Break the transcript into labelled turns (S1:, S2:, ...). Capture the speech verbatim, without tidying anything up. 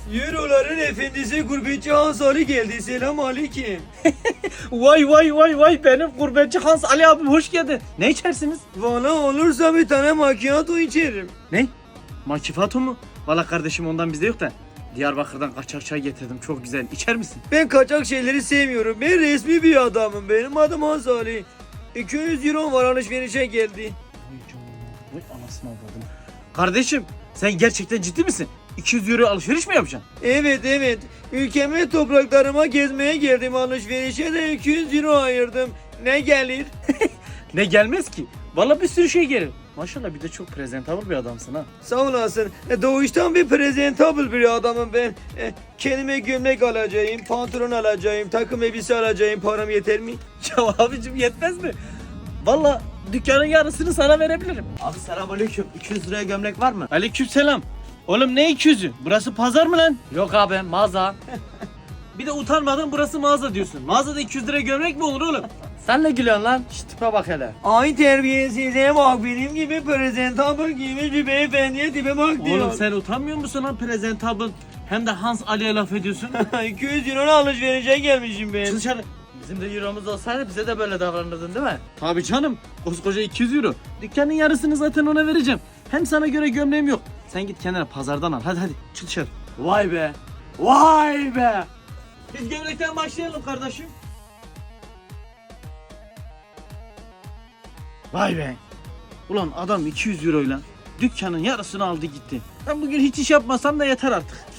S1: Euroların efendisi gurbetçi Hans Ali geldi. Selam aleyküm.
S2: Vay vay vay vay, benim gurbetçi Hans Ali abim hoş geldin. Ne içersiniz?
S1: Valla olursa bir tane macchiato içerim.
S2: Ne? Makifato mu? Valla kardeşim ondan bizde yok da. Diyarbakır'dan kaçak çay getirdim, çok güzel. İçer misin?
S1: Ben kaçak şeyleri sevmiyorum. Ben resmi bir adamım. Benim adım Hans Ali. iki yüz euro var, alışverişe geldi.
S2: Vay anasını avradım. Kardeşim sen gerçekten ciddi misin? iki yüz euro alışveriş mi yapacaksın?
S1: Evet evet. Ülkeme topraklarıma gezmeye geldim. Alışverişe de iki yüz euro ayırdım. Ne gelir?
S2: Ne gelmez ki? Valla bir sürü şey gelir. Maşallah bir de çok presentable bir adamsın ha.
S1: Sağ olasın. E, Doğuştan bir presentable bir adamım ben. E, Kendime gömlek alacağım, pantolon alacağım, takım elbise alacağım. Param yeter mi?
S2: Ya abicim yetmez mi? Valla dükkanın yarısını sana verebilirim.
S3: Abi selamünaleyküm. iki yüz liraya gömlek var mı?
S2: Aleykümselam. Oğlum ne iki yüzü? Burası pazar mı lan?
S3: Yok abi, mağaza.
S2: Bir de utanmadan burası mağaza diyorsun. Mağazada iki yüz liraya gömlek mi olur oğlum?
S3: Sen ne gülüyorsun lan? Şş, tipe bak hele.
S1: Ay terbiyesize bak, benim gibi presentable giymiş bir beyefendiye tipe bak diyor.
S2: Oğlum sen utanmıyor musun lan presentable? Hem de Hans Ali'ye laf ediyorsun.
S1: iki yüz euro alışverişe gelmişim ben.
S2: Çık dışarı.
S3: Bizim de euromuz olsaydı bize de böyle davranırdın değil mi?
S2: Tabii canım. Koskoca iki yüz euro. Dükkanın yarısını zaten ona vereceğim. Hem sana göre gömleğim yok. Sen git kenara pazardan al. Hadi hadi çık dışarı.
S3: Vay be. Vay be.
S2: Biz gömlekten başlayalım kardeşim. Vay be. Ulan adam iki yüz euroyla dükkanın yarısını aldı gitti. Ben bugün hiç iş yapmasam da yeter artık.